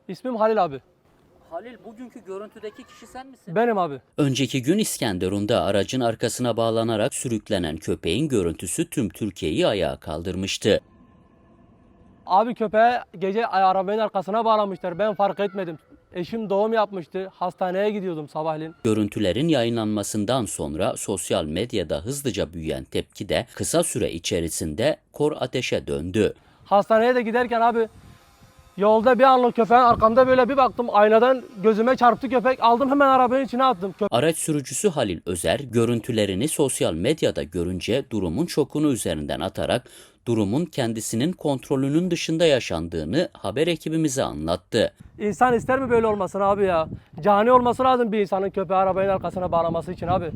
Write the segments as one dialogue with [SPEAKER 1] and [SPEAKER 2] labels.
[SPEAKER 1] İsmim Halil abi.
[SPEAKER 2] Halil, bugünkü görüntüdeki kişi sen misin?
[SPEAKER 1] Benim abi.
[SPEAKER 3] Önceki gün İskenderun'da aracın arkasına bağlanarak sürüklenen köpeğin görüntüsü tüm Türkiye'yi ayağa kaldırmıştı.
[SPEAKER 1] Abi köpeği gece arabanın arkasına bağlamışlar. Ben fark etmedim. Eşim doğum yapmıştı. Hastaneye gidiyordum sabahleyin.
[SPEAKER 3] Görüntülerin yayınlanmasından sonra sosyal medyada hızlıca büyüyen tepki de kısa süre içerisinde kor ateşe döndü.
[SPEAKER 1] Hastaneye de giderken abi yolda bir anlık köpeğin arkamda böyle bir baktım. Aynadan gözüme çarptı köpek. Aldım hemen arabanın içine attım.
[SPEAKER 3] Araç sürücüsü Halil Özer görüntülerini sosyal medyada görünce durumun şokunu üzerinden atarak durumun kendisinin kontrolünün dışında yaşandığını haber ekibimize anlattı.
[SPEAKER 1] İnsan ister mi böyle olmasını abi ya? Cani olması lazım bir insanın köpeği arabanın arkasına bağlaması için abi.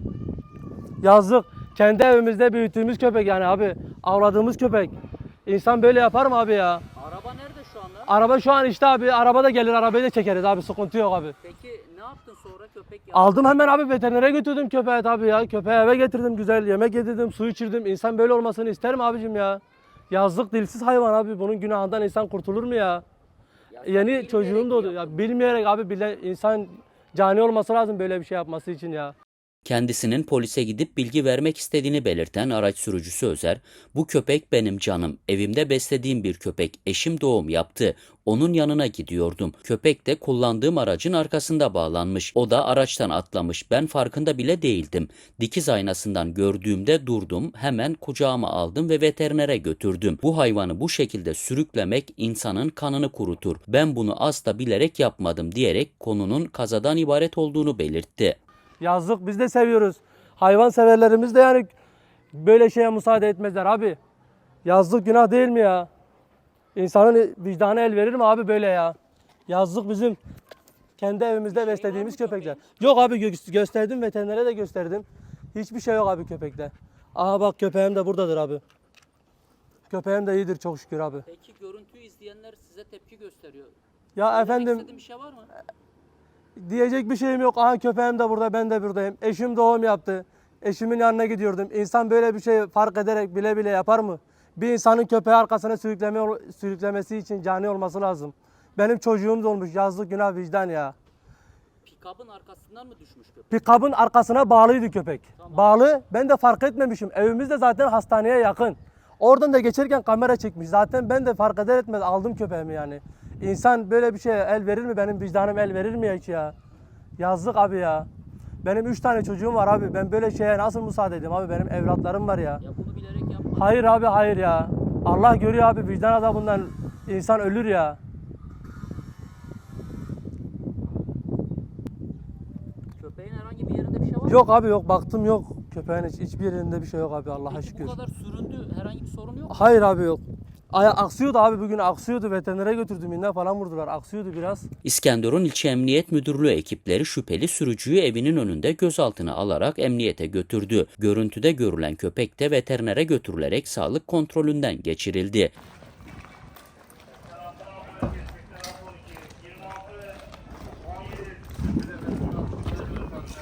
[SPEAKER 1] Yazık. Kendi evimizde büyüttüğümüz köpek yani abi. Avladığımız köpek. İnsan böyle yapar mı abi ya?
[SPEAKER 2] Araba nerede şu anda?
[SPEAKER 1] Araba şu an işte abi. Araba da gelir, arabayı da çekeriz abi. Sıkıntı yok abi.
[SPEAKER 2] Peki ne yaptın sonra köpek
[SPEAKER 1] Aldım hemen abi, veterinere götürdüm köpeği tabii ya. Köpeği eve getirdim, güzel yemek yedirdim, su içirdim. İnsan böyle olmasını ister mi abicim ya? Yazlık dilsiz hayvan abi. Bunun günahından insan kurtulur mu ya? Yeni çocuğum doğdu. Ya bilmeyerek abi, insan cani olması lazım böyle bir şey yapması için ya.
[SPEAKER 3] Kendisinin polise gidip bilgi vermek istediğini belirten araç sürücüsü Özer, "Bu köpek benim canım, evimde beslediğim bir köpek, eşim doğum yaptı, onun yanına gidiyordum. Köpek de kullandığım aracın arkasında bağlanmış, o da araçtan atlamış, ben farkında bile değildim. Dikiz aynasından gördüğümde durdum, hemen kucağıma aldım ve veterinere götürdüm. Bu hayvanı bu şekilde sürüklemek insanın kanını kurutur, ben bunu asla bilerek yapmadım" diyerek konunun kazadan ibaret olduğunu belirtti.
[SPEAKER 1] Yazık, biz de seviyoruz. Hayvan severlerimiz de yani böyle şeye müsaade etmezler abi. Yazık, günah değil mi ya? İnsanın vicdanı el verir mi abi böyle ya? Yazık, bizim kendi evimizde beslediğimiz köpekler. Yok abi, gösterdim, veterinere de gösterdim. Hiçbir şey yok abi köpekte. Aha bak, köpeğim de buradadır abi. Köpeğim de iyidir çok şükür abi.
[SPEAKER 2] Peki görüntüyü izleyenler size tepki gösteriyor.
[SPEAKER 1] Ya
[SPEAKER 2] Söylemek
[SPEAKER 1] efendim,
[SPEAKER 2] istediğin bir şey var mı?
[SPEAKER 1] diyecek bir şeyim yok. Aha köpeğim de burada, ben de buradayım. Eşim doğum yaptı. Eşimin yanına gidiyordum. İnsan böyle bir şey fark ederek bile bile yapar mı? Bir insanın köpeği arkasına sürüklemesi için cani olması lazım. Benim çocuğum da olmuş. Yazlık, günah, vicdan ya.
[SPEAKER 2] Pikabın arkasından mı düşmüş köpek?
[SPEAKER 1] Pikabın arkasına bağlıydı köpek. Bağlı. Ben de fark etmemişim. Evimiz de zaten hastaneye yakın. Oradan da geçerken kamera çekmiş. Zaten ben de fark eder etmez aldım köpeğimi yani. İnsan böyle bir şeye el verir mi? Benim vicdanım el verir mi ya hiç ya? Yazık abi ya. Benim 3 tane çocuğum var abi. Ben böyle şeye nasıl müsaade edeyim abi? Benim evlatlarım var ya.
[SPEAKER 2] Ya bunu bilerek yapma.
[SPEAKER 1] Hayır abi, hayır ya. Allah görüyor abi, vicdan azabından insan ölür ya.
[SPEAKER 2] Köpeğin herhangi bir yerinde bir şey var mı?
[SPEAKER 1] Yok abi, yok. Baktım, yok. Köpeğin hiçbir yerinde bir şey yok abi, Allah'a
[SPEAKER 2] Peki
[SPEAKER 1] şükür.
[SPEAKER 2] bu kadar süründü, herhangi bir sorun yok mu?
[SPEAKER 1] Hayır abi, yok. Aksıyordu abi, bugün aksıyordu. Veterinere götürdüm, iğne falan vurdular. Aksıyordu biraz.
[SPEAKER 3] İskenderun İlçe Emniyet Müdürlüğü ekipleri şüpheli sürücüyü evinin önünde gözaltına alarak emniyete götürdü. Görüntüde görülen köpek de veterinere götürülerek sağlık kontrolünden geçirildi.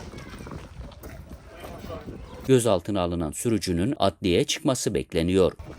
[SPEAKER 3] Gözaltına alınan sürücünün adliyeye çıkması bekleniyor.